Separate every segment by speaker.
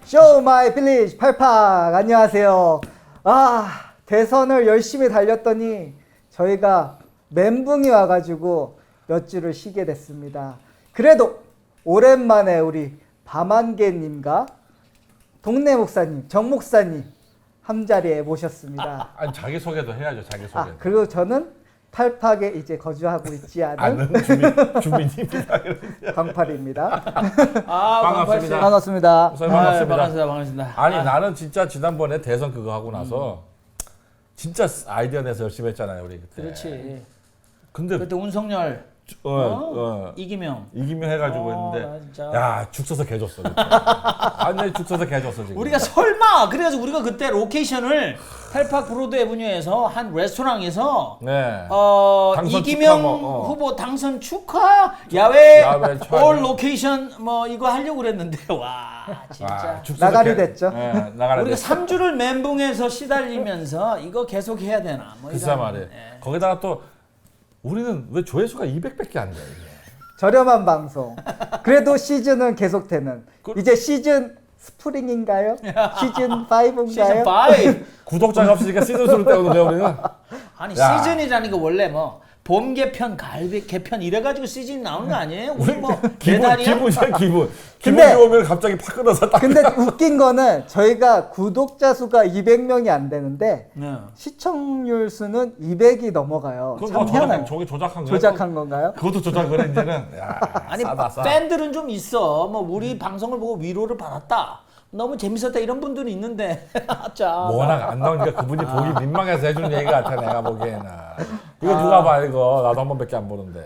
Speaker 1: 쇼 마이 빌리지 팔팍 안녕하세요. 대선을 열심히 달렸더니 저희가 멘붕이 와가지고 몇 주를 쉬게 됐습니다. 그래도 오랜만에 우리 밤안개님과 동네 목사님, 정 목사님 한자리에 모셨습니다.
Speaker 2: 아니 자기 소개도 해야죠. 자기 소개.
Speaker 1: 그리고 저는 팔팍에 이제 거주하고 있지 않은
Speaker 2: 아는 주민입니다.
Speaker 1: 광팔입니다.
Speaker 2: 반갑습니다.
Speaker 1: 반갑습니다.
Speaker 2: 목사님 반갑습니다.
Speaker 3: 반갑습니다.
Speaker 2: 아니 나는 진짜 지난번에 대선 그거 하고 나서 진짜 아이디어 내서 열심히 했잖아요 우리 그때.
Speaker 3: 그렇지.
Speaker 2: 근데
Speaker 3: 그때 운석열, 이기명
Speaker 2: 해가지고
Speaker 3: 나
Speaker 2: 했는데
Speaker 3: 진짜.
Speaker 2: 야 죽 서서 개 줬어. 완전히 죽 서서 개 줬어 지금.
Speaker 3: 우리가 설마 그래가지고 우리가 그때 로케이션을 팔팍 브로드 애브뉴에서 한 레스토랑에서
Speaker 2: 네. 당선
Speaker 3: 이기명
Speaker 2: 축하
Speaker 3: 후보 당선 축하 야외
Speaker 2: 촬영.
Speaker 3: 올 로케이션 뭐 이거 하려고 그랬는데 와 진짜
Speaker 2: 죽 서서
Speaker 1: 나가리
Speaker 2: 개-
Speaker 1: 됐죠.
Speaker 2: 네, 나가리
Speaker 3: 우리가
Speaker 2: 됐죠.
Speaker 3: 3주를 멘붕에서 시달리면서 이거 계속 해야 되나 뭐
Speaker 2: 글쎄
Speaker 3: 이런,
Speaker 2: 말이에요.
Speaker 3: 예.
Speaker 2: 거기다가 또 우리는 왜 조회수가 200밖에 안 돼? 이게.
Speaker 1: 저렴한 방송. 그래도 시즌은 계속되는. 이제 시즌 스프링인가요? 시즌 5인가요?
Speaker 3: 시즌 5
Speaker 2: 구독자가 없으니까 시즌수를 때우는데 우리는.
Speaker 3: 아니
Speaker 2: 야.
Speaker 3: 시즌이라는 게 원래 뭐 봄 개편, 가을 개편 이래가지고 시즌이 나오는 거 아니에요? 우리 뭐
Speaker 2: 기분
Speaker 3: 매달이야?
Speaker 2: 기분이야 기분.
Speaker 1: 근데-
Speaker 2: 기분 좋으면 갑자기 팍 끊어서 딱.
Speaker 1: 근데 웃긴 거는 저희가 구독자 수가 200명이 안 되는데
Speaker 3: 네.
Speaker 1: 시청률 수는 200이 넘어가요.
Speaker 2: 그건
Speaker 1: 참
Speaker 2: 뭐
Speaker 1: 희한해요.
Speaker 2: 저기 조작한 거야.
Speaker 1: 조작한 건가요?
Speaker 2: 그것도 조작을 이제는. 야,
Speaker 3: 아니
Speaker 2: 싸다 싸.
Speaker 3: 팬들은 좀 있어. 뭐 우리 방송을 보고 위로를 받았다. 너무 재밌었다 이런 분들이 있는데 자.
Speaker 2: 워낙 안 나오니까 그분이 보기 민망해서 해주는 얘기 같아 내가 보기에는. 이거 누가 봐 이거 나도 한 번밖에 안 보는데.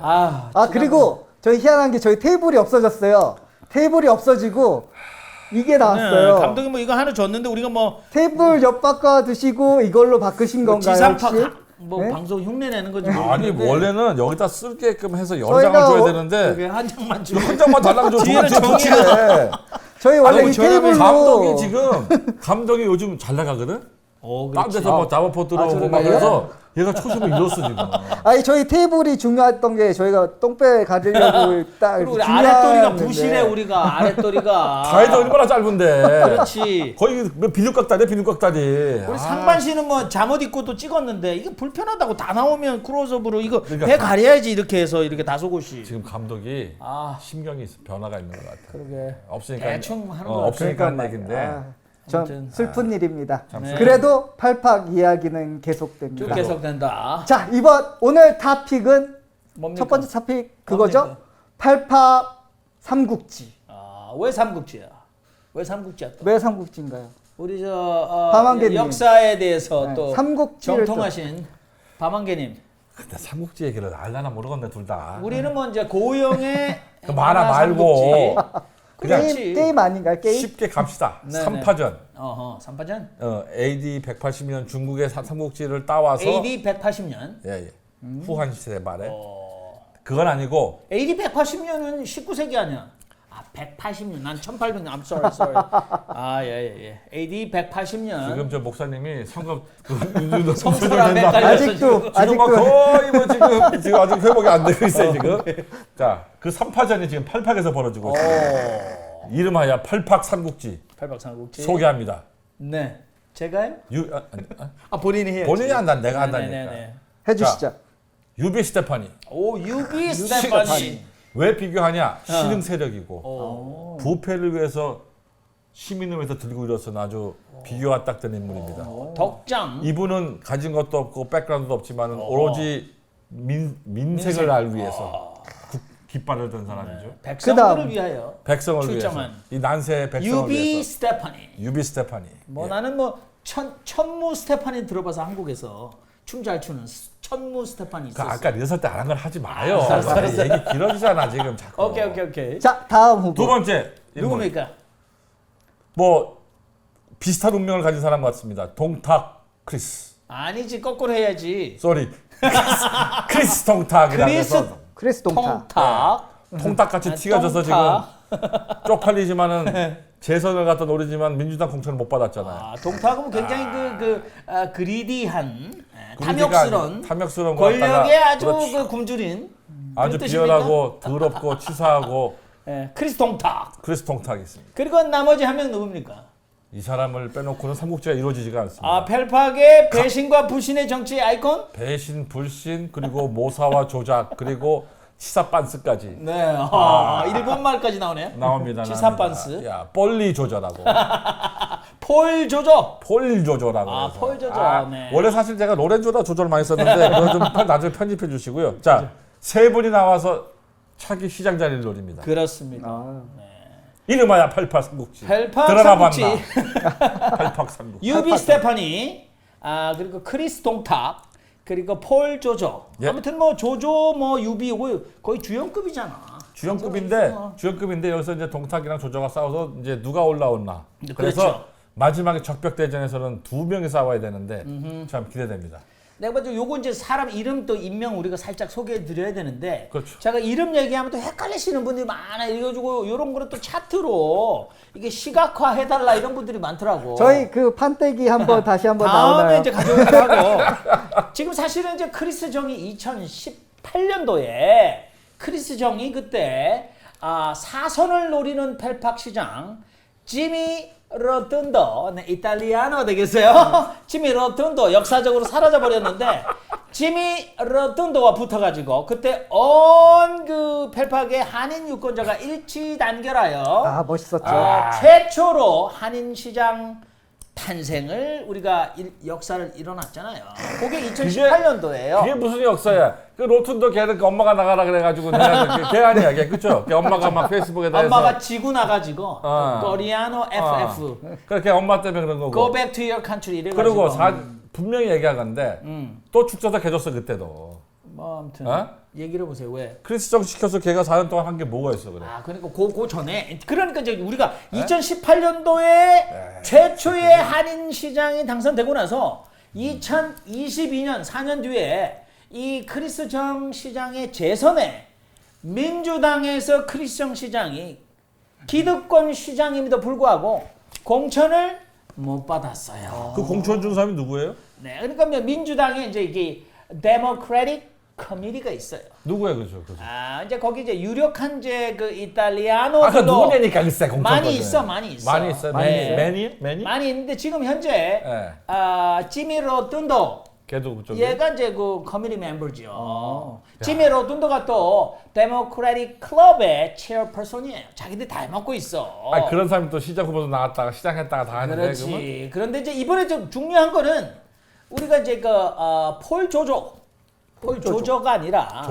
Speaker 1: 그리고 저희 희한한 게 저희 테이블이 없어졌어요. 테이블이 없어지고 이게 나왔어요.
Speaker 3: 네, 감독이 뭐 이거 하나 줬는데 우리가 뭐
Speaker 1: 테이블 옆 바꿔 두시고 이걸로 바꾸신 건가요?
Speaker 3: 지상파
Speaker 1: 혹시?
Speaker 3: 뭐
Speaker 1: 네?
Speaker 3: 방송 흉내 내는 거지.
Speaker 2: 아니
Speaker 3: 모르겠는데
Speaker 2: 원래는 여기다 쓸게끔 해서 여러
Speaker 1: 저희가
Speaker 2: 장을 줘야
Speaker 1: 어-
Speaker 2: 되는데
Speaker 3: 그게 한 장만 주고
Speaker 2: 한 장만 달라고 줘.
Speaker 3: 뒤에는
Speaker 2: 두 번째
Speaker 3: 정의야.
Speaker 2: 붙이네.
Speaker 1: 저희 원래 이
Speaker 3: 저렴해.
Speaker 1: 테이블로
Speaker 2: 감독이 지금 감독이 요즘 잘 나가거든. 딴
Speaker 3: 그렇지.
Speaker 2: 데서 뭐 잡아포 들어오고 막
Speaker 1: 그런가요?
Speaker 2: 그래서 얘가 초심을 잃었어 지금.
Speaker 1: 아니 저희 테이블이 중요했던 게 저희가 똥배 가지려고 딱
Speaker 3: 그리고 우리
Speaker 1: 중요한
Speaker 3: 아랫도리가
Speaker 1: 건데.
Speaker 3: 부실해 우리가 아랫도리가.
Speaker 2: 다이도 얼마나 짧은데.
Speaker 3: 그렇지.
Speaker 2: 거의 비누깍다리 비누깍다리.
Speaker 3: 우리 상반신은 뭐 잠옷 입고 또 찍었는데 이게 불편하다고 다 나오면 크로스업으로 이거
Speaker 2: 그러니까
Speaker 3: 배 가려야지 이렇게 해서 이렇게 다소곳이.
Speaker 2: 지금 감독이
Speaker 3: 아
Speaker 2: 심경이 변화가 있는 것 같아.
Speaker 3: 그러게.
Speaker 2: 없으니까
Speaker 3: 대충 하는 거
Speaker 2: 없으니까 하는
Speaker 1: 그러니까
Speaker 2: 얘긴데.
Speaker 1: 좀
Speaker 3: 아무튼.
Speaker 1: 슬픈 일입니다.
Speaker 3: 네.
Speaker 1: 그래도 팔팍 이야기는
Speaker 3: 쭉
Speaker 1: 계속됩니다.
Speaker 3: 계속된다.
Speaker 1: 자 오늘 토픽은
Speaker 3: 뭡니까?
Speaker 1: 첫 번째 토픽 그거죠?
Speaker 3: 뭡니까?
Speaker 1: 팔팍 삼국지.
Speaker 3: 왜 삼국지야? 왜 삼국지야 또?
Speaker 1: 왜 삼국지인가요?
Speaker 3: 우리
Speaker 1: 밤한개님.
Speaker 3: 역사에 대해서
Speaker 1: 네,
Speaker 3: 또
Speaker 1: 삼국지를
Speaker 3: 정통하신 밤한개님.
Speaker 2: 근데 삼국지 얘기를 알라나 모르겠네 둘 다.
Speaker 3: 우리는 뭐 이제 고영의
Speaker 2: 그 만화
Speaker 3: 만화
Speaker 2: 말고
Speaker 3: 삼국지.
Speaker 2: 그냥
Speaker 1: 게임 아닌가요? 게임?
Speaker 2: 쉽게 갑시다.
Speaker 3: 네,
Speaker 2: 3파전.
Speaker 3: 삼파전.
Speaker 2: AD 180년 중국의 삼국지를 따와서
Speaker 3: AD 180년.
Speaker 2: 예. 후한 시대 말에. 그건 아니고
Speaker 3: AD 180년은 19세기 아니야? 180년. 난 1800년. I'm sorry. 예. AD 180년.
Speaker 2: 지금 저 목사님이 성급
Speaker 3: 성소랑 헷갈려.
Speaker 1: 아직도
Speaker 2: 지금 막 거의 뭐 지금 아직 회복이 안 되고 있어요 지금. 자, 그 3파전이 지금 팔팍에서 벌어지고 있습니다. 이름하여 팔팍 삼국지
Speaker 3: 팔박삼국지.
Speaker 2: 소개합니다.
Speaker 3: 네. 제가요?
Speaker 2: 아니,
Speaker 3: 본인이 해야지.
Speaker 2: 본인이 한다 내가 한다니까.
Speaker 3: 네네네.
Speaker 1: 해주시죠.
Speaker 2: 유비 스테파니.
Speaker 3: 유비 스테파니.
Speaker 2: 왜 비교하냐? 신흥 세력이고 부패를 위해서 시민을 위해서 들고 일어선 아주 비교가 딱 되는 인물입니다.
Speaker 3: 덕장.
Speaker 2: 이분은 가진 것도 없고 백그라운드도 없지만 오로지 민색을 알 위해서 깃발을 든 사람이죠.
Speaker 3: 백성들을
Speaker 1: 그다음.
Speaker 3: 위하여.
Speaker 2: 백성을
Speaker 3: 출정한.
Speaker 2: 위해서 이 난세의 백성을
Speaker 3: 유비
Speaker 2: 위해서
Speaker 3: 스테파니.
Speaker 2: 유비 스테파니.
Speaker 3: 뭐
Speaker 2: 예.
Speaker 3: 나는 뭐 천무 스테파니 들어봐서 한국에서 춤 잘 추는 천무 스테파니
Speaker 2: 그
Speaker 3: 있었어.
Speaker 2: 아까 리허설 때 안 한 걸 하지 마요.
Speaker 3: 알았어.
Speaker 2: 얘기 길어지잖아 지금 자꾸.
Speaker 3: 오케이.
Speaker 2: 자,
Speaker 1: 다음 후보.
Speaker 2: 두 번째 인물.
Speaker 3: 누굽니까?
Speaker 2: 뭐 비슷한 운명을 가진 사람 같습니다. 동탁 크리스.
Speaker 3: 아니지 거꾸로 해야지.
Speaker 2: 쏘리. 크리스 통탁이라고 해서
Speaker 1: 크리스 동타.
Speaker 3: 통탁.
Speaker 2: 통탁같이 티가 져서 지금
Speaker 3: 통탁.
Speaker 2: 쪽팔리지만은 재선을 갖다 노리지만 민주당 공천을 못 받았잖아요.
Speaker 3: 동탁은 굉장히 그리디한
Speaker 2: 탐욕스러운
Speaker 3: 탐욕스러운
Speaker 2: 거 갖다가
Speaker 3: 권력의 아주
Speaker 2: 그렇죠.
Speaker 3: 그 굶주린
Speaker 2: 아주
Speaker 3: 그런 뜻입니까?
Speaker 2: 비열하고 더럽고 치사하고
Speaker 3: 크리스 통탁.
Speaker 2: 크리스 통탁이 있습니다.
Speaker 3: 그리고 나머지 한 명 누굽니까?
Speaker 2: 이 사람을 빼놓고는 삼국지가 이루어지지가 않습니다.
Speaker 3: 아, 펠팍의 배신과 불신의 정치 아이콘?
Speaker 2: 배신, 불신, 그리고 모사와 조작, 그리고 치사 빤스까지
Speaker 3: 네. 일본말까지 나오네요.
Speaker 2: 나옵니다.
Speaker 3: 치사
Speaker 2: 나옵니다.
Speaker 3: 빤스.
Speaker 2: 야, 뻘리 조절하고
Speaker 3: 폴 조조.
Speaker 2: 폴 조절하고.
Speaker 3: 아,
Speaker 2: 해서.
Speaker 3: 폴 조절. 네.
Speaker 2: 원래 사실 제가 로렌조다 조절 많이 썼는데 그거 좀 나중에 편집해 주시고요. 자, 세 분이 나와서 차기 시장 자리를 노립니다.
Speaker 3: 그렇습니다.
Speaker 1: 아,
Speaker 2: 이름하여 88 삼국지.
Speaker 3: 펠팍
Speaker 2: 드러나
Speaker 3: 삼국지.
Speaker 2: 봤나? 88 삼국지.
Speaker 3: 유비 스테파니, 그리고 크리스 동탁, 그리고 폴 조조.
Speaker 2: 예.
Speaker 3: 아무튼 뭐 조조 뭐 유비 이거 거의 주연급이잖아.
Speaker 2: 주연급인데 여기서 이제 동탁이랑 조조가 싸워서 이제 누가 올라오나. 그래서
Speaker 3: 그렇죠.
Speaker 2: 마지막에 적벽 대전에서는 두 명이 싸워야 되는데 참 기대됩니다.
Speaker 3: 내가 봐도 요거 이제 사람 이름 또 인명 우리가 살짝 소개해 드려야 되는데
Speaker 2: 그렇죠.
Speaker 3: 제가 이름 얘기하면 또 헷갈리시는 분들이 많아요. 이래가지고 요런 거를 또 차트로 이게 시각화 해달라 이런 분들이 많더라고.
Speaker 1: 저희 그 판때기 한번 다시 한번
Speaker 3: 다음에
Speaker 1: 나오나요?
Speaker 3: 이제 가져오기로 하고 지금 사실은 이제 크리스 정이 2018년도에 크리스 정이 그때 사선을 노리는 펠팍 시장 지미 로툰도, 네, 이탈리아노 되겠어요? 지미 로툰도 역사적으로 사라져 버렸는데 지미 로툰도와 붙어가지고 그때 온 그 펠팍의 한인 유권자가 일치 단결하여
Speaker 1: 아, 멋있었죠.
Speaker 3: 최초로 한인 시장 탄생을 우리가 역사를 일어났잖아요. 그게 2018년도예요.
Speaker 2: 그게 무슨 역사야? 그 로툰도 걔는 그 엄마가 나가라 그래가지고 걔 아니야, 걔 그쵸? 걔 엄마가 막 페이스북에다 해서
Speaker 3: 엄마가 지고 나가지고 코리아노 FF
Speaker 2: 그렇게 엄마 때문에 그런 거고.
Speaker 3: Go back to your country 이래가지고
Speaker 2: 그리고 분명히 얘기하건데 또 축사다 개줬어 그때도.
Speaker 3: 뭐 아무튼
Speaker 2: 어?
Speaker 3: 얘기를 해보세요. 왜?
Speaker 2: 크리스정 시켜서 걔가 4년 동안 한 게 뭐가 있어 그래?
Speaker 3: 그러니까 그 전에 그러니까 이제 우리가 2018년도에 최초의 한인 시장이 당선되고 나서 2022년 4년 뒤에 이 크리스정 시장의 재선에 민주당에서 크리스정 시장이 기득권 시장임에도 불구하고 공천을 못 받았어요.
Speaker 2: 그 공천 준 사람이 누구예요?
Speaker 3: 네, 그러니까 민주당에 이제 이게 데모크래틱 커미티가 있어요.
Speaker 2: 누구예요, 그죠?
Speaker 3: 이제 거기 이제 유력한 이제 그
Speaker 2: 그
Speaker 3: 이탈리아노들도
Speaker 2: 누구냐니까 글쎄 공천.
Speaker 3: 많이 있어.
Speaker 2: 많이 있어.
Speaker 3: 네.
Speaker 2: 매니?
Speaker 3: 많이 있는데 지금 현재
Speaker 2: 네.
Speaker 3: 지미 로툰도
Speaker 2: 걔도 그쪽에.
Speaker 3: 얘가 이제 그 커미티 멤버죠. 지미 로툰도가 또 데모크래틱 클럽의 체어퍼슨이에요. 자기들 다 해먹고 있어.
Speaker 2: 그런 사람이 또 시장 후보도 나왔다가 시장했다가 다 하는데
Speaker 3: 그렇지.
Speaker 2: 그러면
Speaker 3: 그런데 이제 이번에 좀 중요한 거는 우리가 이제 폴 조조가 아니라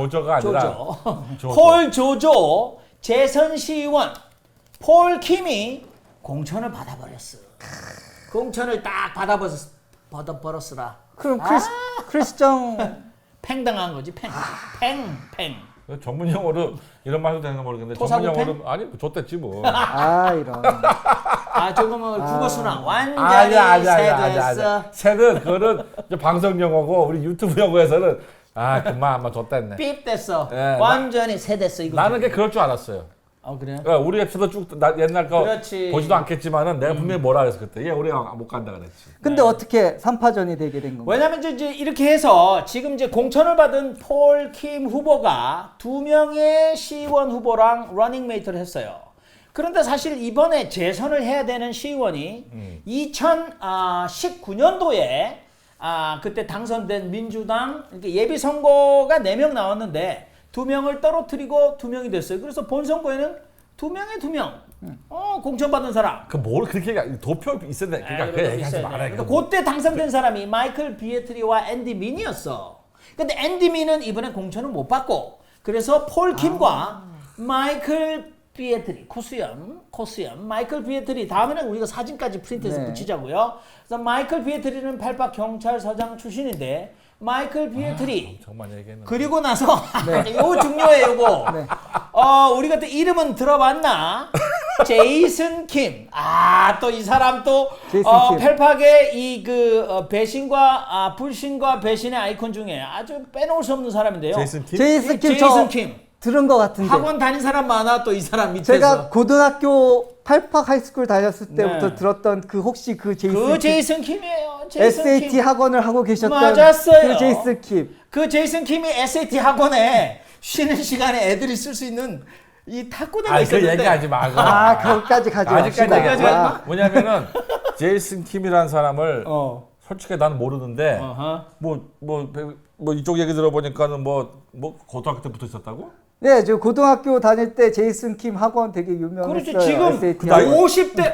Speaker 2: 조조.
Speaker 3: 폴 조조 재선 시의원 폴 킴이 공천을 받아버렸어. 공천을 딱 받아버렸으라.
Speaker 1: 그럼 크리스정
Speaker 3: 팽당한 거지. 팽.
Speaker 2: 전문 용어로 이런 말도 되는 거 모르겠는데
Speaker 3: 토사구팽?
Speaker 2: 전문 용어로 아니 줬댔지 뭐.
Speaker 1: 이런.
Speaker 3: 조금은 국어순환 완전히 세됐어.
Speaker 2: 새는 그거는 이제 방송 용어고 우리 유튜브 용어에서는 그만 아마 줬댔네.
Speaker 3: 삐 됐어.
Speaker 2: 예,
Speaker 3: 완전히 세됐어 이거.
Speaker 2: 나는 그게 그럴 줄 알았어요.
Speaker 3: 그래요?
Speaker 2: 우리 에피소드 쭉 옛날 거
Speaker 3: 그렇지.
Speaker 2: 보지도 않겠지만은 내가 분명히 뭐라 그랬어 그때. 얘 우리가 못 간다 그랬지.
Speaker 1: 근데 어떻게 3파전이 되게 된 건가요?
Speaker 3: 왜냐면 이제 이렇게 해서 지금 이제 공천을 받은 폴 킴 후보가 2명의 시의원 후보랑 러닝메이트를 했어요. 그런데 사실 이번에 재선을 해야 되는 시의원이 2019년도에 그때 당선된 민주당 이렇게 예비 선거가 4명 나왔는데 2명을 떨어뜨리고 2명이 됐어요. 그래서 본선거에는 2명 공천 받은 사람.
Speaker 2: 뭘 그렇게 도표 있어야 돼. 그러니까 그 얘기하지 말아요.
Speaker 3: 그러니까 그때 당선된 사람이 마이클 비에트리와 앤디 민이었어. 근데 앤디 민은 이번에 공천을 못 받고 그래서 폴 킴과 마이클 비에트리 코수염 마이클 비에트리 다음에는 우리가 사진까지 프린트해서 붙이자고요. 그래서 마이클 비에트리는 팔박 경찰서장 출신인데 마이클 비에트리
Speaker 2: 정말 얘기했는데.
Speaker 3: 그리고 나서 요거 중요해 요거. 우리가 또 이름은 들어봤나? 제이슨 킴. 또 이 사람 또 펠팍의 이 그 배신과 불신과 배신의 아이콘 중에 아주 빼놓을 수 없는 사람인데요.
Speaker 2: 제이슨 킴?
Speaker 1: 제이슨 킴 들은 것 같은데.
Speaker 3: 학원 다닌 사람 많아 또 이 사람 밑에서.
Speaker 1: 제가 고등학교 팔팍 하이스쿨 다녔을 때부터 들었던 그 혹시 그
Speaker 3: 제이슨 킴이에요.
Speaker 1: SAT
Speaker 3: 킴.
Speaker 1: 학원을 하고 계셨던
Speaker 3: 맞았어요.
Speaker 1: 그 제이슨 킴.
Speaker 3: 그 제이슨 킴이 SAT 학원에 쉬는 시간에 애들이 쓸 수 있는 이 탁구대가
Speaker 2: 그
Speaker 3: 있었는데.
Speaker 2: 얘기하지 마.
Speaker 1: 거기까지 가지
Speaker 2: 아직까지
Speaker 1: 맙시다.
Speaker 2: 얘기하지 마. 뭐냐면은 제이슨 킴이라는 사람을 솔직히 나는 모르는데
Speaker 3: 어허.
Speaker 2: 뭐 이쪽 얘기 들어보니까는 뭐 고등학교 때부터 있었다고?
Speaker 1: 네, 저 고등학교 다닐 때 제이슨 킴 학원 되게 유명했어요.
Speaker 3: 그렇지. 지금
Speaker 1: SAT
Speaker 2: 나이-
Speaker 1: 학원.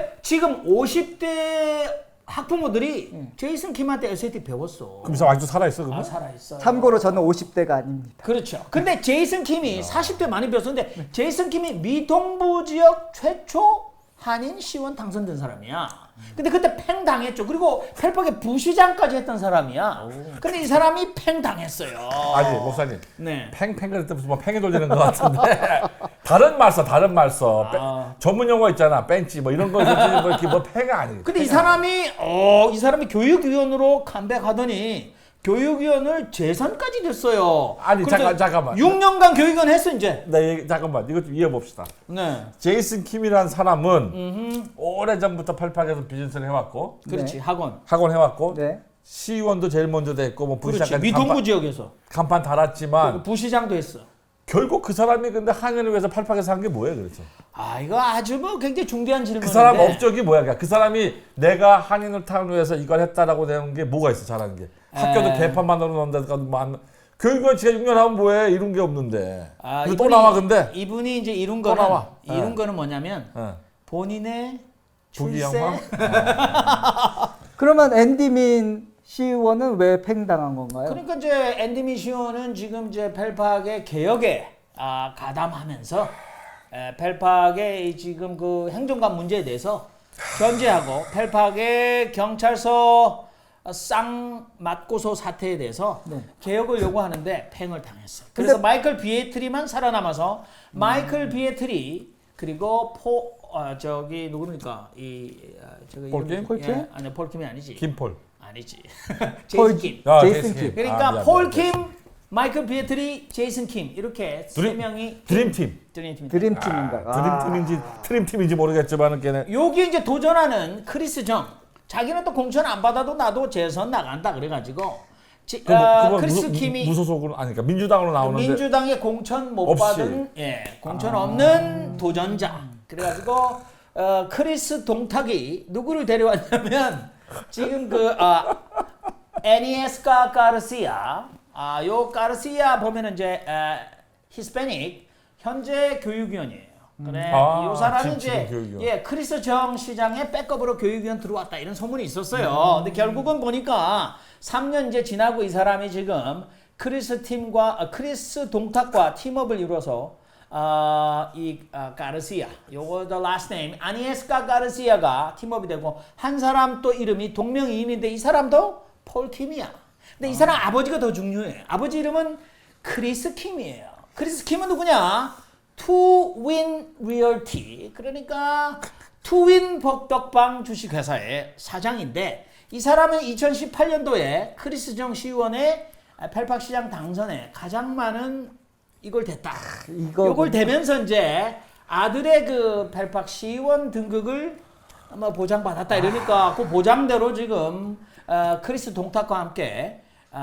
Speaker 3: 50대 학부모들이 제이슨 킴한테 SAT 배웠어.
Speaker 2: 그럼 이 사람 아직도 살아있어 그러면?
Speaker 3: 살아있어.
Speaker 1: 참고로 저는 50대가 아닙니다.
Speaker 3: 그렇죠. 근데 제이슨 킴이 40대 많이 배웠었는데 제이슨 킴이 미동부 지역 최초 한인 시원 당선된 사람이야. 근데 그때 팽 당했죠. 그리고 펠팍의 부시장까지 했던 사람이야. 근데 이 사람이 팽 당했어요.
Speaker 2: 아니 목사님
Speaker 3: 네.
Speaker 2: 팽팽 그럴 때 무슨 뭐 팽이 돌리는 것 같은데 다른 말 써. 전문 용어 있잖아. 벤치 뭐 이런 거 뭐 이렇게 뭐 팽이 아니고.
Speaker 3: 근데 이 사람이 교육위원으로 컴백하더니 교육위원을 재선까지 됐어요.
Speaker 2: 아니, 잠깐만.
Speaker 3: 6년간 교육위원 했어 이제.
Speaker 2: 잠깐만 이것 좀 이해해봅시다.
Speaker 3: 네.
Speaker 2: 제이슨 킴이라는 사람은 오래전부터 펠팍에서 비즈니스를 해왔고
Speaker 3: 그렇지.
Speaker 1: 네.
Speaker 2: 학원 해왔고
Speaker 1: 네.
Speaker 2: 시의원도 제일 먼저 됐고 뭐
Speaker 3: 그렇지.
Speaker 2: 부시장까지
Speaker 3: 미동부 지역에서
Speaker 2: 간판 달았지만
Speaker 3: 부시장도 했어.
Speaker 2: 결국 그 사람이 근데 한인을 위해서 펠팍에서 한 게 뭐예요, 그렇죠?
Speaker 3: 이거 아주 뭐 굉장히 중대한 질문인데.
Speaker 2: 그 사람 업적이 뭐야? 그러니까 그 사람이 내가 한인을 타기 위해서 이걸 했다라고 되는 게 뭐가 있어, 잘하는 게? 학교도 개판 만들어 놓는다든가 뭐 교육을 지가 6년 하면 뭐해? 이룬 게 없는데. 근데 또 나와 근데.
Speaker 3: 이분이 이제 이룬
Speaker 2: 또
Speaker 3: 거는
Speaker 2: 나와.
Speaker 3: 이룬
Speaker 2: 네.
Speaker 3: 거는 뭐냐면 본인의 출세.
Speaker 2: 부귀영화?
Speaker 1: 그러면 앤디민 시의원은 왜 팽당한 건가요?
Speaker 3: 그러니까 이제 앤디 미시오는 지금 이제 펠팍의 개혁에 가담하면서 펠팍의 지금 그 행정관 문제에 대해서 견제하고 펠팍의 경찰서 쌍맞고소 사태에 대해서 개혁을 요구하는데 팽을 당했어요. 그래서 마이클 비에트리만 살아남아서 마이클 비에트리 그리고 누구니까
Speaker 2: 폴킴?
Speaker 1: 폴킴?
Speaker 3: 아니 폴킴이 아니지.
Speaker 2: 김폴.
Speaker 3: 아니지. 제이슨 킴.
Speaker 1: 제이슨 킴.
Speaker 3: 그러니까
Speaker 2: 미안.
Speaker 3: 폴킴, 마이클 비에트리, 제이슨 킴 이렇게 세 명이
Speaker 2: 드림팀.
Speaker 1: 드림팀인가?
Speaker 2: 드림팀인지 트림팀인지 모르겠지만은 걔네.
Speaker 3: 여기 이제 도전하는 크리스 정. 자기는 또 공천 안 받아도 나도 재선 나간다 그래가지고 크리스 킴이
Speaker 2: 무소속으로 아니 그러니까 민주당으로 나오는데
Speaker 3: 민주당의 공천 못
Speaker 2: 없이.
Speaker 3: 받은 공천 없는 도전자. 그래가지고 크리스 동탁이 누구를 데려왔냐면 지금 애니에스카 가르시아 요 가르시아 보면은 이제 히스패닉 현재 교육위원이에요. 그래 이 사람이 이제
Speaker 2: 교육위원.
Speaker 3: 크리스 정 시장의 백업으로 교육위원 들어왔다 이런 소문이 있었어요. 근데 결국은 보니까 3년 이제 지나고 이 사람이 지금 크리스 동탁과 팀업을 이루어서 가르시아 요거 the last name 아니에스카 가르시아가 팀업이 되고 한 사람 또 이름이 동명이인인데 이 사람도 폴 킴이야. 근데 이 사람 아버지가 더 중요해. 아버지 이름은 크리스 킴이에요. 크리스 킴은 누구냐? 투윈 리얼티 그러니까 투윈 복덕방 주식회사의 사장인데 이 사람은 2018년도에 크리스 정 시의원의 펠팍 시장 당선에 가장 많은 이걸 됐다. 이걸 되면서 이제 아들의 그 펠팍 시의원 등극을 아마 보장받았다 이러니까 그 보장대로 지금 크리스 동탁과 함께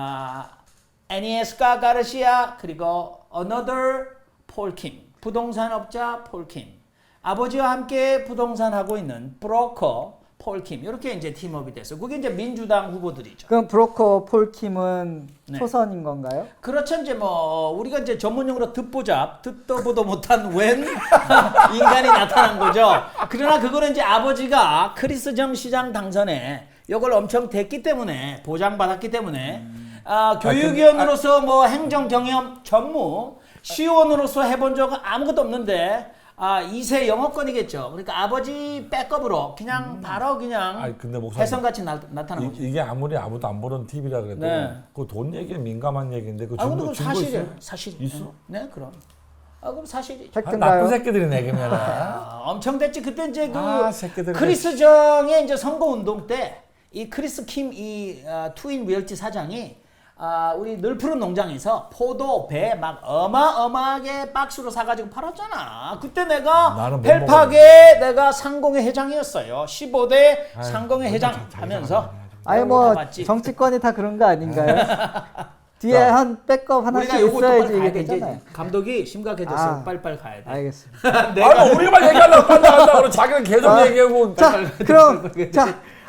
Speaker 3: 애니에스카 가르시아 그리고 another 폴킴 부동산업자 폴킴 아버지와 함께 부동산 하고 있는 브로커 폴킴 이렇게 이제 팀업이 돼서 그게 이제 민주당 후보들이죠.
Speaker 1: 그럼 브로커 폴킴은 초선인 건가요?
Speaker 3: 그렇죠. 이제 뭐 우리가 이제 전문용어로 듣보잡, 듣도 보도 못한 웬 인간이 나타난 거죠. 그러나 그거는 이제 아버지가 크리스 정 시장 당선에 이걸 엄청 됐기 때문에 보장받았기 때문에 교육위원으로서 뭐 행정 경험 전무 시의원으로서 해본 적은 아무것도 없는데 2세 영어권이겠죠. 그러니까 아버지 백업으로 그냥 바로 그냥
Speaker 2: 아니, 근데 목사님,
Speaker 3: 혜성같이 나타난 거죠.
Speaker 2: 이게 아무리 아무도 안 보는 TV라 그래도 그 돈 얘기는 민감한 얘기인데 그
Speaker 3: 근데
Speaker 2: 증거
Speaker 3: 그건
Speaker 2: 증거
Speaker 3: 사실이에요.
Speaker 2: 있어요?
Speaker 3: 사실.
Speaker 2: 있어?
Speaker 3: 네, 그럼. 그럼 사실이죠.
Speaker 2: 나쁜
Speaker 1: 팩트인가요?
Speaker 2: 새끼들이네 그러면.
Speaker 3: 엄청 됐지. 그때 이제
Speaker 2: 새끼들.
Speaker 3: 크리스 정의 이제 선거 운동 때 이 크리스 킴 투인 리얼티 사장이 우리 늘푸른 농장에서 포도, 배 막 어마어마하게 박스로 사가지고 팔았잖아. 그때 내가 펠팍의 내가 상공회 회장이었어요. 15대 상공회 회장 하면서.
Speaker 1: 아니 뭐 정치권이 다 그런 거 아닌가요? 뒤에 한 백업 하나씩 있어야지 이게 되잖아요.
Speaker 3: 감독이 심각해졌어요. 빨리빨리 가야 돼.
Speaker 1: 알겠습니다.
Speaker 2: 우리만 얘기하려고 간다 그러고 자기는 계속 얘기하고.
Speaker 1: 자, 그럼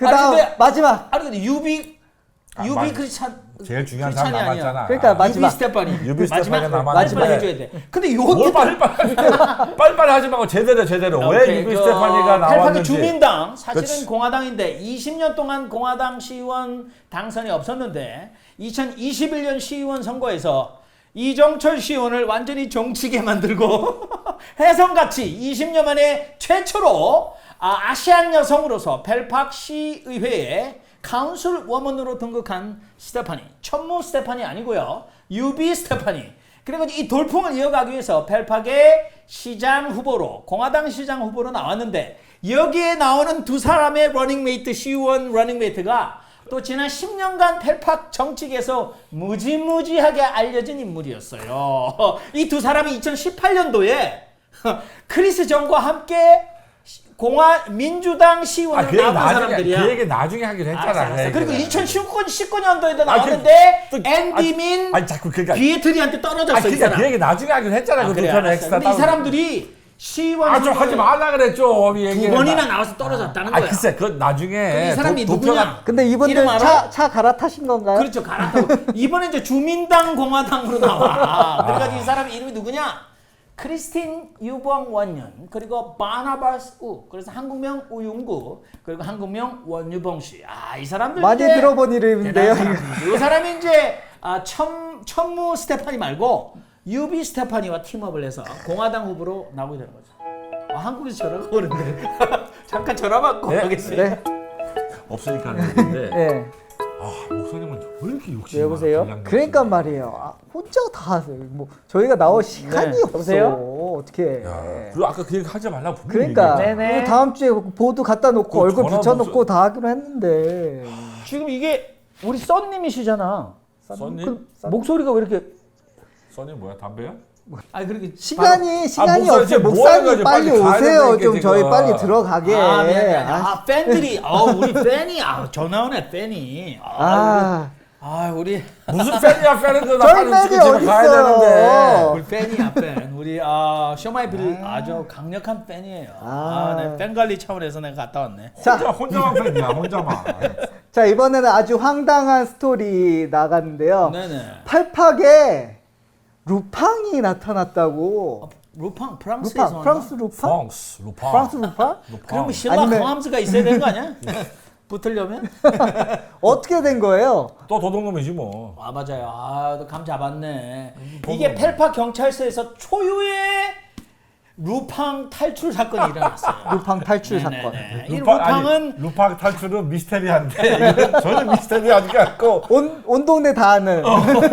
Speaker 1: 그다음
Speaker 3: 근데-
Speaker 1: 마지막.
Speaker 3: 아니 근데 유비
Speaker 2: 맞-
Speaker 3: 크리스찬
Speaker 2: 제일 중요한
Speaker 3: 크리스찬이
Speaker 2: 사람
Speaker 3: 아니야.
Speaker 2: 남았잖아.
Speaker 1: 그러니까 마지막.
Speaker 3: 유비 스테파니.
Speaker 2: 유비 스테파니가 남았는데.
Speaker 3: 마지막 해줘야 돼. 근데
Speaker 2: 뭘
Speaker 3: 요것도
Speaker 2: 빨리빨리 하지 말고 제대로 왜 유비 스테파니가
Speaker 3: 펠팍의
Speaker 2: 나왔는지.
Speaker 3: 주민당 사실은
Speaker 2: 그렇지.
Speaker 3: 공화당인데 20년 동안 공화당 시의원 당선이 없었는데 2021년 시의원 선거에서 이정철 시의원을 완전히 정치게 만들고 혜성같이 20년 만에 최초로 아시안 여성으로서 펠팍 시의회에 카운슬 워먼으로 등극한 스테파니. 천무 스테파니 아니고요. 유비 스테파니. 그래가지고 이 돌풍을 이어가기 위해서 펠팍의 시장 후보로 공화당 시장 후보로 나왔는데 여기에 나오는 두 사람의 러닝메이트 시의원 러닝메이트가 또 지난 10년간 펠팍 정치계에서 무지무지하게 알려진 인물이었어요. 이 두 사람이 2018년도에 크리스 정과 함께 민주당 시의원으로
Speaker 2: 그 얘기
Speaker 3: 나온
Speaker 2: 나중에
Speaker 3: 사람들이야.
Speaker 2: 그 얘기 나중에 하기로 했잖아.
Speaker 3: 알았어.
Speaker 2: 그
Speaker 3: 그리고
Speaker 2: 얘기는.
Speaker 3: 2019년도에도 나왔는데 앤디민
Speaker 2: 아니 자꾸 그러니까
Speaker 3: 비에트리한테 떨어졌어. 이
Speaker 2: 그러니까
Speaker 3: 사람.
Speaker 2: 그 얘기 나중에 하기로 했잖아. 그
Speaker 3: 그래,
Speaker 2: 두 편의
Speaker 3: 알았어.
Speaker 2: 엑스트라.
Speaker 3: 근데 이 사람들이 시의원
Speaker 2: 좀 하지 말라 그랬죠.
Speaker 3: 두 번이나 나와서 떨어졌다는 거야.
Speaker 2: 글쎄 그 나중에
Speaker 3: 그럼 이 사람이
Speaker 2: 도-
Speaker 3: 누구냐?
Speaker 1: 근데 이분들
Speaker 3: 이름 알아?
Speaker 1: 차 갈아타신 건가요?
Speaker 3: 그렇죠. 갈았다고. 이번에 이제 주민당 공화당으로 나와. 그래가지고 이 사람 이름이 누구냐? 크리스틴 유봉 원년 그리고 바나바스 우 그래서 한국명 우윤구 그리고 한국명 원유봉 씨. 이 사람들
Speaker 1: 많이
Speaker 3: 이제
Speaker 1: 들어본 이름인데요.
Speaker 3: 대단한 사람들. 이 사람이 이제 천무 스테파니 말고 유비 스테파니와 팀업을 해서 공화당 후보로 나오게 되는 거죠. 한국에서 전화가 오는데 잠깐 전화 받고
Speaker 2: 네?
Speaker 3: 가겠습니다.
Speaker 1: 네.
Speaker 2: 없으니까 하는 얘기인데.
Speaker 1: 예.
Speaker 2: 목사님은 왜 이렇게 욕심이
Speaker 3: 여보세요?
Speaker 2: 많아?
Speaker 1: 그러니까 말이에요. 혼자 다 하세요. 뭐 저희가 나올 시간이
Speaker 3: 네.
Speaker 1: 없어.
Speaker 3: 여보세요?
Speaker 1: 어떻게?
Speaker 2: 그리고 아까 그 얘기 하지 말라고 분명히
Speaker 1: 그러니까
Speaker 2: 얘기했잖아.
Speaker 3: 네네.
Speaker 1: 그 다음 주에 보드 갖다 놓고
Speaker 2: 그
Speaker 1: 얼굴
Speaker 2: 전화
Speaker 1: 붙여놓고
Speaker 2: 무슨-
Speaker 1: 다 하기로 했는데.
Speaker 3: 지금 이게 우리 썬님이시잖아.
Speaker 2: 써님?
Speaker 3: 목소리가 왜 이렇게?
Speaker 2: 써니 뭐야 담배야?
Speaker 3: 아니 그렇게
Speaker 1: 시간이
Speaker 2: 목사님
Speaker 1: 없어요.
Speaker 2: 지금 뭐
Speaker 1: 목사님
Speaker 2: 하는 거지?
Speaker 1: 빨리
Speaker 2: 빨리 가야
Speaker 1: 오세요.
Speaker 2: 된다니까,
Speaker 1: 좀 저희
Speaker 2: 지금.
Speaker 1: 빨리 들어가게.
Speaker 3: 미안해. 팬들이 우리 팬이 전화 오네 팬이. 우리
Speaker 2: 무슨 팬이야 팬은 나
Speaker 1: 저희
Speaker 2: 빨리
Speaker 1: 팬이
Speaker 2: 집에 가야 되는데.
Speaker 1: 어딨어?
Speaker 3: 우리 팬이야 팬. 우리 쇼마이빌 아주 강력한 팬이에요. 네, 팬 관리 차원에서 내가 갔다 왔네.
Speaker 2: 혼자만 팬이야 혼자만.
Speaker 1: 자 이번에는 아주 황당한 스토리 나갔는데요.
Speaker 3: 네네.
Speaker 1: 팔팍에 루팡이 나타났다고.
Speaker 3: 루팡 프랑스에서
Speaker 1: 루팡, 프랑스 루팡?
Speaker 2: 루팡.
Speaker 1: 프랑스 루팡?
Speaker 3: 그러면 신라
Speaker 1: 아니면-
Speaker 3: 홈즈가 있어야 되는 거 아니야? 붙으려면?
Speaker 1: 어떻게 된 거예요?
Speaker 2: 또 도둑놈이지 뭐.
Speaker 3: 맞아요. 너 감 잡았네. 이게 펠팍 경찰서에서 초유의 루팡 탈출 사건이 일어났어요.
Speaker 1: 루팡 탈출
Speaker 3: 네네네.
Speaker 1: 사건.
Speaker 3: 이 루팡은
Speaker 2: 루팡 탈출은 미스테리한데 이건 전혀 미스테리하지 않고.
Speaker 1: 온 동네 다 아는.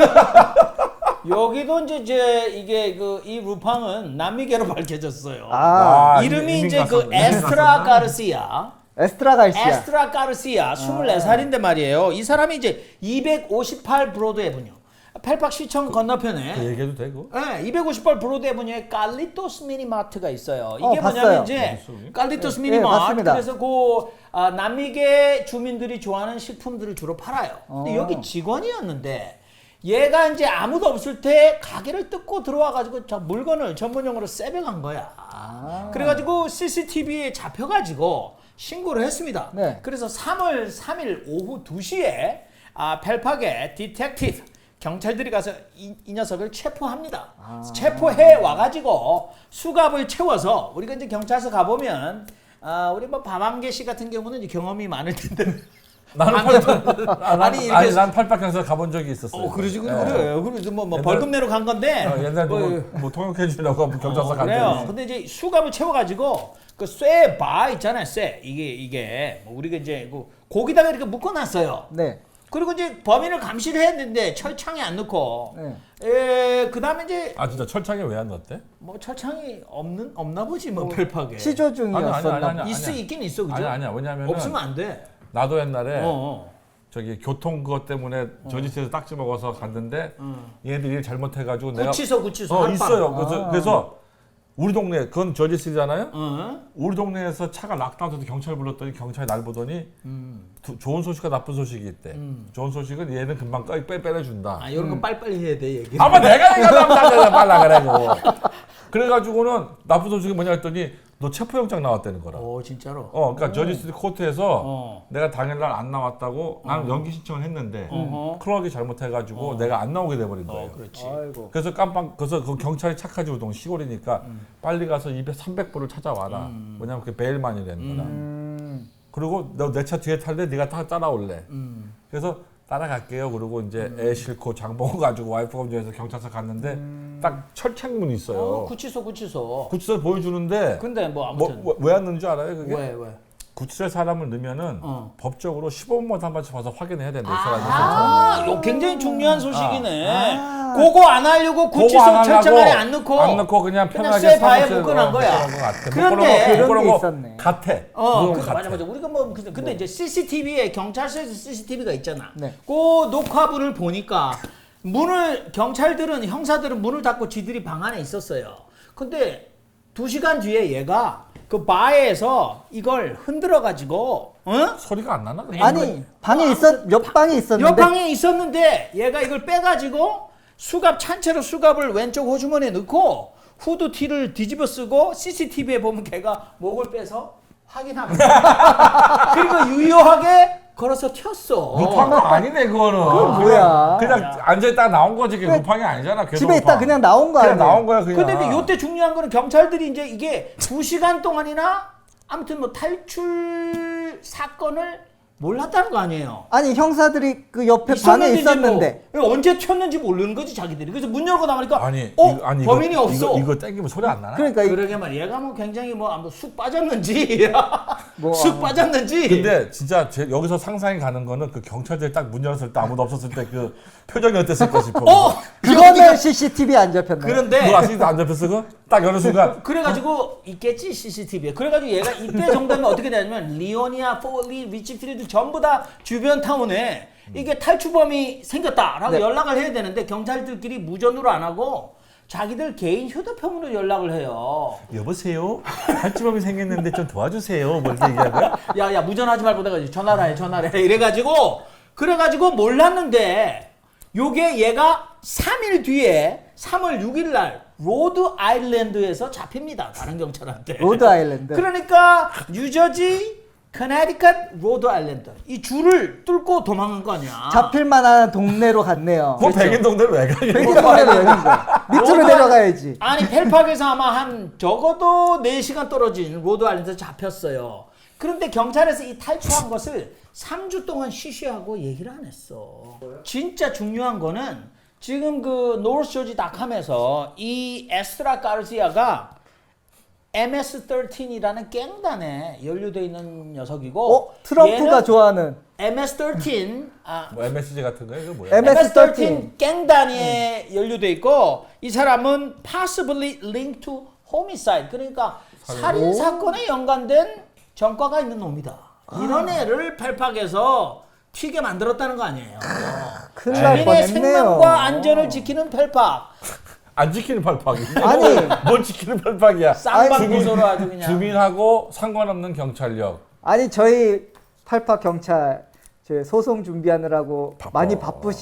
Speaker 3: 여기도 이제 이게 이 루팡은 남미계로 밝혀졌어요. 이름이
Speaker 2: 이민
Speaker 3: 이제
Speaker 2: 갔었네. 이민
Speaker 3: 에스트라
Speaker 2: 갔었나?
Speaker 3: 가르시아.
Speaker 1: 에스트라 갈시아.
Speaker 3: 에스트라 가르시아 24살인데 말이에요. 이 사람이 이제 258 브로드 에브뉴. 펠팍 시청 건너편에
Speaker 2: 그 얘기해도 되고.
Speaker 3: 네, 258 브로드 에브뉴에 깔리토스 미니마트가 있어요. 이게
Speaker 1: 봤어요.
Speaker 3: 뭐냐면 이제
Speaker 2: 어딨어, 그게?
Speaker 3: 깔리토스
Speaker 1: 네,
Speaker 3: 미니마트.
Speaker 1: 맞습니다.
Speaker 3: 그래서 남미계 주민들이 좋아하는 식품들을 주로 팔아요. 근데 여기 직원이었는데 얘가 이제 아무도 없을 때 가게를 뜯고 들어와가지고 물건을 전문용어로 세배간 거야. 그래가지고 CCTV에 잡혀가지고 신고를 했습니다.
Speaker 1: 네.
Speaker 3: 그래서 3월 3일 오후 2시에 펠팍의 디텍티브 경찰들이 가서 이 녀석을 체포합니다. 체포해 와가지고 수갑을 채워서 우리가 이제 경찰서 가보면 우리 뭐 밤한개 씨 같은 경우는 이제 경험이 많을 텐데.
Speaker 2: 나는
Speaker 3: 이렇게
Speaker 2: 난 팔박경서 가본 적이 있었어요.
Speaker 3: 그러지
Speaker 2: 예.
Speaker 3: 그래요. 그래서 뭐
Speaker 2: 옛날-
Speaker 3: 벌금 내러 간 건데.
Speaker 2: 옛날 뭐 통역해 주려고 경찰서 간 적이
Speaker 3: 그래요.
Speaker 2: 있어.
Speaker 3: 근데 이제 수갑을 채워가지고 그 쇠바 있잖아요. 쇠 이게 뭐 우리가 이제 거기다가 이렇게 묶어놨어요.
Speaker 1: 네.
Speaker 3: 그리고 이제 범인을 감시를 했는데 철창에 안 넣고.
Speaker 1: 네.
Speaker 3: 그다음에 이제
Speaker 2: 진짜 철창에 왜 안 넣었대?
Speaker 3: 뭐 철창이 없나 보지 뭐 펠팍에.
Speaker 1: 시조 중이었었나
Speaker 2: 아니,
Speaker 1: 봐.
Speaker 3: 있긴 있어 그죠?
Speaker 2: 아니야. 왜냐면은
Speaker 3: 없으면 안 돼.
Speaker 2: 나도 옛날에
Speaker 3: 어.
Speaker 2: 저기 교통 그것 때문에 저지스에서 딱지 먹어서 갔는데 얘네들이 일 잘못해가지고 내가
Speaker 3: 구치소 한방.
Speaker 2: 있어요. 그래서 우리 동네 그건 저지스잖아요.
Speaker 3: 어?
Speaker 2: 우리 동네에서 차가 락다운돼서 경찰 불렀더니 경찰이 날 보더니 좋은 소식과 나쁜 소식이 있대. 좋은 소식은 얘는 금방 빼내준다.
Speaker 3: 이런 거 빨리빨리 해야 돼 얘기.
Speaker 2: 아마 내가 얘기하면 빨라 그래고. 그래가지고는 나쁜 소식이 뭐냐 했더니 너 체포영장 나왔다는 거라.
Speaker 3: 오 진짜로.
Speaker 2: 그러니까 저지스트 코트에서
Speaker 3: 어.
Speaker 2: 내가 당일날 안 나왔다고 나는 연기 신청을 했는데 클럭이 잘못해가지고 내가 안 나오게 돼버린 거예요.
Speaker 3: 그렇지.
Speaker 1: 아이고.
Speaker 2: 그래서 그래서 그 경찰이 착하지 우동 시골이니까 빨리 가서 300불을 찾아와라. 왜냐면 그게 베일만이라는 거라. 그리고 너 내 차 뒤에 탈래? 네가 따라올래. 그래서 따라갈게요. 그리고 이제 애 싣고 장보고 가지고 와이프가 운전해서 경찰서 갔는데 딱 철책문이 있어요.
Speaker 3: 구치소.
Speaker 2: 구치소를 보여주는데
Speaker 3: 근데 뭐 아무튼
Speaker 2: 왜 왔는지 알아요? 그게?
Speaker 3: 왜?
Speaker 2: 구치소에 사람을 넣으면은 법적으로 15분마다 한 번씩 와서 확인해야 된다. 이 사람이.
Speaker 3: 이거 굉장히 중요한 소식이네. 그거 안 하려고 구치소 철장 안에 안 넣고
Speaker 2: 그냥 편하게
Speaker 3: 쇠 바에
Speaker 2: 사무실에
Speaker 3: 묶어놓은 거야.
Speaker 2: 그런데
Speaker 1: 그런 게 있었네.
Speaker 2: 같아.
Speaker 3: 맞아. 우리가 뭐 근데 이제 CCTV에 경찰서에서 CCTV가 있잖아.
Speaker 1: 네.
Speaker 3: 그 녹화분을 보니까 경찰들은 형사들은 문을 닫고 지들이 방 안에 있었어요. 근데 2시간 뒤에 얘가 그 바에서 이걸 흔들어 가지고
Speaker 2: 소리가 안 나나?
Speaker 1: 아니 방에 옆 방에 있었는데
Speaker 3: 옆방에 있었는데 얘가 이걸 빼가지고 찬 채로 수갑을 왼쪽 호주머니에 넣고 후드티를 뒤집어 쓰고 CCTV에 보면 걔가 목을 빼서 확인합니다. 그리고 유효하게 걸어서 튀었어.
Speaker 2: 루팡 아니네 그거는.
Speaker 1: 그건 뭐야?
Speaker 2: 그냥 앉아있다가 나온 거지. 그게 루팡이 아니잖아.
Speaker 1: 집에 있다 그냥 나온 거 아니야?
Speaker 2: 나온 거야 그냥.
Speaker 3: 근데 이때 중요한 거는 경찰들이 이제 이게 2시간 동안이나 아무튼 뭐 탈출 사건을 몰랐다는 거 아니에요.
Speaker 1: 아니 형사들이 그 옆에 방에 있었는데
Speaker 3: 뭐 언제 튀었는지 모르는 거지 자기들이. 그래서 문 열고 나가니까
Speaker 2: 아니
Speaker 3: 범인이 없어.
Speaker 2: 이거 땡기면 소리 안 나나?
Speaker 1: 그러니까
Speaker 3: 그러게 말이야. 얘가 뭐 굉장히 쑥 빠졌는지 쑥 빠졌는지.
Speaker 2: 근데 진짜 여기서 상상이 가는 거는 그 경찰들이 딱 문 열었을 때 아무도 없었을 때 그 표정이 어땠을까 싶어.
Speaker 1: 그거는 CCTV 안 잡혔나요?
Speaker 3: 그런데
Speaker 2: 그거 아직도 안 잡혔어 그거? 딱 여는 순간
Speaker 3: 그래가지고 있겠지 CCTV에. 그래가지고 얘가 이때 정도면 어떻게 되냐면 리오니아, 포리, 리치필드 전부 다 주변 타운에 이게 탈출범이 생겼다라고
Speaker 1: 네.
Speaker 3: 연락을 해야 되는데 경찰들끼리 무전으로 안 하고 자기들 개인 휴대폰으로 연락을 해요.
Speaker 2: 여보세요? 탈출범이 생겼는데 좀 도와주세요. 뭐 이렇게 얘기한 거야?
Speaker 3: 야 무전하지 말고 내가 전화를 해 이래가지고 그래가지고 몰랐는데 요게 얘가 3일 뒤에 3월 6일 날 로드 아일랜드에서 잡힙니다. 다른 경찰한테.
Speaker 1: 로드 아일랜드.
Speaker 3: 그러니까 뉴저지, 커네티컷, 로드 아일랜드 이 줄을 뚫고 도망간 거 아니야.
Speaker 1: 잡힐 만한 동네로 갔네요.
Speaker 2: 뭐 백인 동네로 왜 가?
Speaker 1: 백인 동네로 왜 간 거야? 밑으로
Speaker 3: 로드
Speaker 1: 내려가야지.
Speaker 3: 아니 펠팍에서 아마 한 적어도 4시간 떨어진 로드 아일랜드에서 잡혔어요. 그런데 경찰에서 이 탈출한 것을 3주 동안 쉬쉬하고 얘기를 안 했어. 진짜 중요한 거는 지금 그 노스조지닷컴에서 이 에스트라 가르시아가 MS-13이라는 갱단에 연루되어 있는 녀석이고
Speaker 1: 트럼프가
Speaker 3: 얘는
Speaker 1: 좋아하는
Speaker 3: MS-13
Speaker 2: 뭐 MSG 같은 거야? 이거 뭐야?
Speaker 3: MS-13 갱단에 연루돼 있고 이 사람은 possibly linked to homicide 그러니까 살인 사건에 연관된 전과가 있는 놈이다. 이런 애를 펠팍에서 튀게 만들었다는 거 아니에요.
Speaker 1: 큰일 날
Speaker 3: 주민의
Speaker 1: 뻔했네요.
Speaker 3: 생명과 안전을 지키는 펠팍.
Speaker 2: 안 지키는 팔팍이지.
Speaker 1: 아니.
Speaker 2: 뭘 지키는 팔팍이야?
Speaker 3: 쌍방구소로 아주 그냥.
Speaker 2: 주민하고 상관없는 경찰력.
Speaker 1: 아니 저희 팔팍 경찰 저 소송 준비하느라고
Speaker 2: 바빠.
Speaker 1: 많이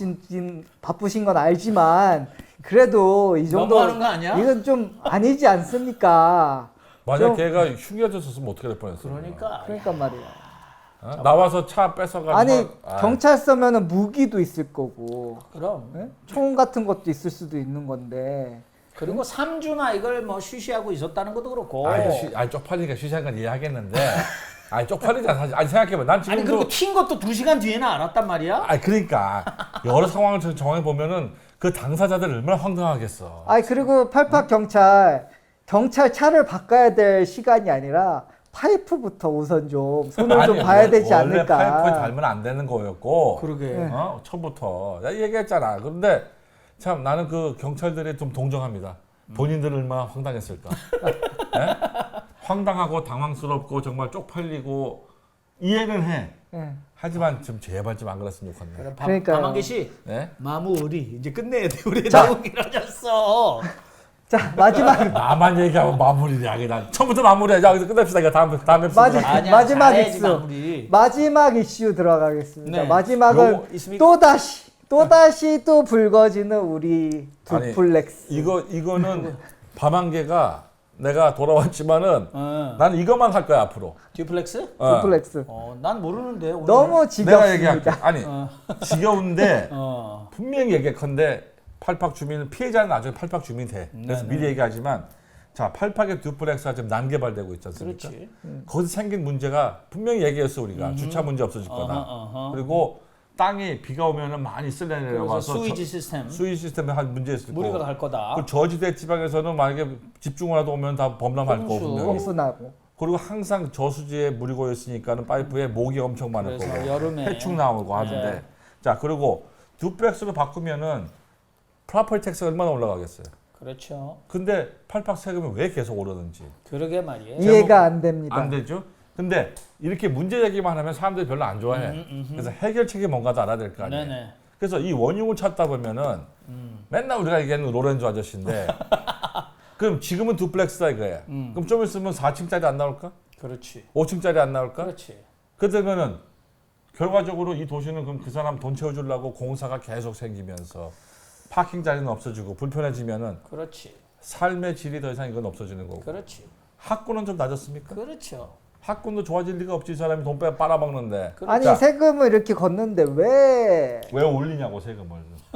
Speaker 1: 바쁘신 건 알지만 그래도 이 정도
Speaker 3: 너무하는 거 아니야?
Speaker 1: 이건 좀 아니지 않습니까?
Speaker 2: 만약
Speaker 1: 좀-
Speaker 2: 걔가 흉기였었으면 어떻게 될 뻔했어?
Speaker 3: 그러니까
Speaker 1: 말이야.
Speaker 2: 어? 나와서 차 뺏어가지고.
Speaker 1: 아니 경찰서면은 무기도 있을 거고
Speaker 3: 그럼.
Speaker 1: 예? 총 같은 것도 있을 수도 있는 건데
Speaker 3: 그리고 3주나 이걸 뭐 쉬쉬하고 있었다는 것도 그렇고.
Speaker 2: 아니 쪽팔리니까 쉬시한 건 이해하겠는데. 아니 쪽팔리잖아 사실. 아니 생각해봐. 난
Speaker 3: 아니
Speaker 2: 지금도.
Speaker 3: 그리고 튄 것도 2시간 뒤에는 알았단 말이야.
Speaker 2: 아니 그러니까 여러 상황을 정해 보면은 그 당사자들 얼마나 황당하겠어.
Speaker 1: 아니 그리고 팔팍 경찰 차를 바꿔야 될 시간이 아니라 파이프부터 우선 좀 손을 좀 봐야 되지
Speaker 2: 원래
Speaker 1: 않을까.
Speaker 2: 파이프에 달면 안 되는 거였고.
Speaker 3: 그러게.
Speaker 1: 네.
Speaker 2: 처음부터 내가 얘기했잖아. 그런데 참 나는 그 경찰들이 좀 동정합니다. 본인들은 얼마나 황당했을까. 네? 황당하고 당황스럽고 정말 쪽팔리고 이해는 해.
Speaker 1: 예.
Speaker 2: 하지만 좀 제발 좀 안 그랬으면 좋겠네.
Speaker 1: 그러니까요.
Speaker 3: 박만기 씨.
Speaker 2: 네?
Speaker 3: 마무리 이제 끝내야 돼. 우리
Speaker 1: 자.
Speaker 3: 너무 길어졌어.
Speaker 1: 자 마지막
Speaker 2: 나만 얘기하면 마무리냐. 그냥 처음부터 마무리해. 자, 여기서 끝냅시다. 이거 다음 에피소드.
Speaker 3: 아니야,
Speaker 1: 마지막
Speaker 3: 잘해야지,
Speaker 1: 이슈.
Speaker 3: 마무리.
Speaker 1: 마지막 이슈 들어가겠습니다.
Speaker 3: 네.
Speaker 1: 마지막은
Speaker 2: 요거
Speaker 3: 있습니까?
Speaker 1: 또다시 또 불거지는 우리
Speaker 2: 아니,
Speaker 1: 두플렉스.
Speaker 2: 이거는 밤 한 개가 내가 돌아왔지만은 나는 이것만 할 거야 앞으로.
Speaker 3: 듀플렉스?
Speaker 1: 듀플렉스.
Speaker 3: 난 모르는데. 오늘.
Speaker 1: 너무
Speaker 2: 내가 얘기할게.
Speaker 1: 지겹습니다.
Speaker 2: 아니 지겨운데
Speaker 3: 어.
Speaker 2: 분명히 얘기컨대 팔팍 주민은 피해자는 나중에 팔팍 주민이 돼. 그래서 미리 얘기하지만 자 팔팍의 듀플렉스가 지금 난개발되고 있지 않습니까?
Speaker 3: 그렇지.
Speaker 2: 거기서 생긴 문제가 분명히 얘기했어 우리가 주차 문제 없어질 거다. 그리고 땅이 비가 오면은 많이 쓸려
Speaker 3: 그래서
Speaker 2: 내려와서
Speaker 3: 수위지 시스템.
Speaker 2: 수위 시스템에 한 문제 있을 거고.
Speaker 3: 무리가 갈 거다.
Speaker 2: 그 저지대 지방에서는 만약에 집중호라도 오면 다 범람할
Speaker 3: 홍수.
Speaker 2: 거거든요.
Speaker 1: 홍수나고.
Speaker 2: 그리고 항상 저수지에 물이 고여 있으니까는 파이프에 목이 엄청 많을
Speaker 3: 그래서
Speaker 2: 거고
Speaker 3: 여름에
Speaker 2: 해충 나오고 하는데
Speaker 3: 네.
Speaker 2: 자 그리고 듀플렉스로 바꾸면은 프로퍼티 텍스가 얼마나 올라가겠어요.
Speaker 3: 그렇죠.
Speaker 2: 근데 팔팍 세금이 왜 계속 오르는지
Speaker 3: 그러게 말이에요.
Speaker 1: 이해가 안 됩니다.
Speaker 2: 안 되죠. 근데 이렇게 문제 제기만 하면 사람들이 별로 안 좋아해. 그래서 해결책이 뭔가도 알아야 될 거 아니에요.
Speaker 3: 네네.
Speaker 2: 그래서 이 원흉을 찾다 보면은 맨날 우리가 얘기하는 로렌조 아저씨인데 그럼 지금은 듀플렉스다 이거야. 그럼 좀 있으면 4층짜리 안 나올까?
Speaker 3: 그렇지.
Speaker 2: 5층짜리 안 나올까?
Speaker 3: 그렇지.
Speaker 2: 그러면은 결과적으로 이 도시는 그럼 그 사람 돈 채워주려고 공사가 계속 생기면서 파킹 자리는 없어지고 불편해지면은
Speaker 3: 그렇지.
Speaker 2: 삶의 질이 더 이상 이건 없어지는 거고.
Speaker 3: 그렇지.
Speaker 2: 학군은 좀 낮았습니까?
Speaker 3: 그렇죠.
Speaker 2: 학군도 좋아질 리가 없지. 이 사람이 돈 빨아먹는데.
Speaker 1: 아니
Speaker 2: 자,
Speaker 1: 세금을 이렇게 걷는데 왜?
Speaker 2: 왜 올리냐고 세금을.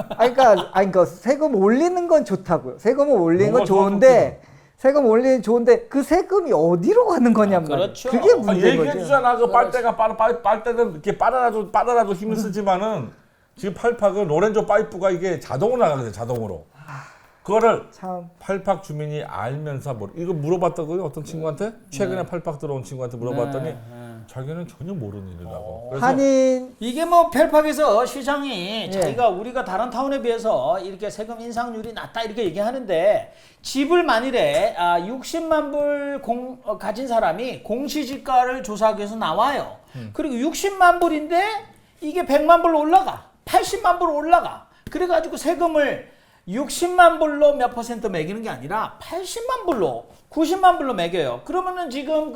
Speaker 1: 그러니까 세금 올리는 건 좋다고요. 세금을 올리는 건
Speaker 2: 뭐가
Speaker 1: 좋은데 세금 올리는 좋은데 그 세금이 어디로 가는 거냔 말이에요.
Speaker 3: 그렇죠.
Speaker 1: 그게
Speaker 2: 아,
Speaker 1: 문제인
Speaker 2: 얘기해
Speaker 1: 거죠.
Speaker 2: 주잖아. 그 빨대가 빨대는 이렇게 빨아라도 힘을 쓰지만은 지금 팔팍은 로렌조 파이프가 이게 자동으로 나가거든요. 자동으로. 그거를
Speaker 1: 참
Speaker 2: 팔팍 주민이 알면서 이거 물어봤다고요? 어떤 친구한테? 최근에 팔팍 들어온 친구한테 물어봤더니
Speaker 3: 네.
Speaker 2: 자기는 전혀 모르는 일이라고. 그래서
Speaker 1: 한인
Speaker 3: 이게 뭐 펠팍에서 시장이
Speaker 1: 예.
Speaker 3: 자기가 우리가 다른 타운에 비해서 이렇게 세금 인상률이 낮다 이렇게 얘기하는데 집을 만일에 60만 불 가진 사람이 공시지가를 조사하기 위해서 나와요. 그리고 60만 불인데 이게 100만 불로 올라가. 80만 불로 올라가. 그래가지고 세금을 60만 불로 몇 퍼센트 매기는 게 아니라 80만 불로 90만 불로 매겨요. 그러면은 지금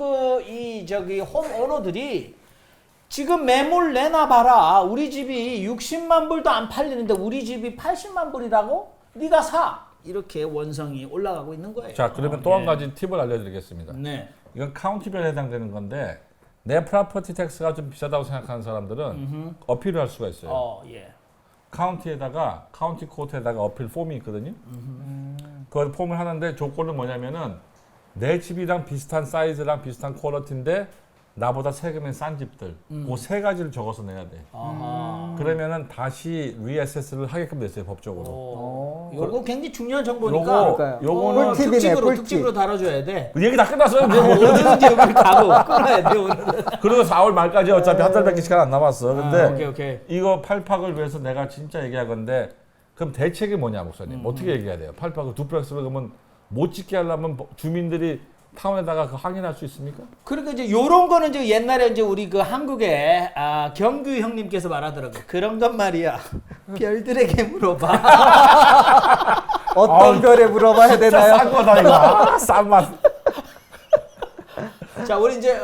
Speaker 3: 홈 오너들이 지금 매물 내놔봐라. 우리 집이 60만 불도 안 팔리는데 우리 집이 80만 불이라고? 네가 사. 이렇게 원성이 올라가고 있는 거예요.
Speaker 2: 자 그러면 또 한 가지 팁을 알려드리겠습니다.
Speaker 3: 네.
Speaker 2: 이건 카운티별에 해당되는 건데 내 프로퍼티 텍스가 좀 비싸다고 생각하는 사람들은 어필을 할 수가 있어요.
Speaker 3: 예.
Speaker 2: 카운티에다가 카운티 코트에다가 어필 폼이 있거든요. 그 폼을 하는데 조건은 뭐냐면은 내 집이랑 비슷한 사이즈랑 비슷한 퀄리티인데 나보다 세금이 싼 집들 그 세 가지를 적어서 내야 돼. 그러면은 다시 리어세스를 하게끔 됐어요 법적으로.
Speaker 3: 요거 굉장히 중요한 정보니까
Speaker 1: 그러니까요.
Speaker 2: 요거는
Speaker 1: 꿀팁이네, 꿀팁.
Speaker 3: 특집으로 다뤄줘야 돼.
Speaker 2: 그 얘기 다 끝났어요.
Speaker 3: 어디든지 여기 가고 끊어야 돼 오늘은.
Speaker 2: 그리고 4월 말까지 어차피 한 달밖에 시간 안 남았어. 근데
Speaker 3: 오케이.
Speaker 2: 이거 팔팍을 위해서 내가 진짜 얘기할 건데 그럼 대책이 뭐냐 목사님? 어떻게 얘기해야 돼요? 팔팍을 듀플렉스로 그러면 못 짓게 하려면 주민들이 타운에다가 그 항의할 수 있습니까?
Speaker 3: 그러니까 이제 요런 거는 이제 옛날에 이제 우리 그 한국에 경규 형님께서 말하더라고. 그런 건 말이야. 별들에게 물어봐.
Speaker 1: 어떤 별에 물어봐야 되나요?
Speaker 2: 싼 거다 이거. 싼 맛.
Speaker 3: 자, 우리 이제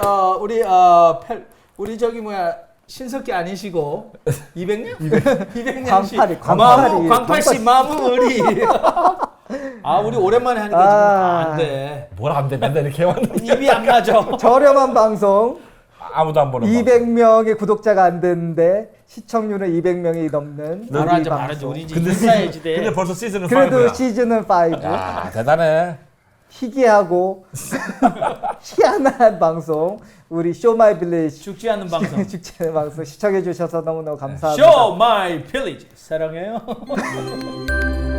Speaker 3: 우리 저기 뭐야 신석기 아니시고 200년? 200년 씨.
Speaker 1: 광팔이.
Speaker 3: 광팔 씨 마무리. 우리 오랜만에 하니까 지금 안 돼.
Speaker 2: 뭘 안 돼? 맨날 이렇게 해왔는데
Speaker 3: 입이 안 맞아.
Speaker 1: 저렴한 방송
Speaker 2: 아무도 안 보는
Speaker 1: 200명의 구독자가 안 됐는데 시청률은 200명이 넘는
Speaker 3: 바로
Speaker 1: 우리
Speaker 3: 앉아 말하지.
Speaker 1: 방송.
Speaker 3: 우리 이제 인사해야지 돼.
Speaker 2: 근데 벌써 시즌은 5야.
Speaker 1: 그래도 시즌은 5
Speaker 2: 야 대단해.
Speaker 1: 희귀하고 희한한 방송 우리 쇼마이 빌리지
Speaker 3: 죽지 않는 방송.
Speaker 1: 축제 방송 시청해 주셔서 너무너무 감사합니다.
Speaker 3: 쇼 마이 필리지 사랑해요.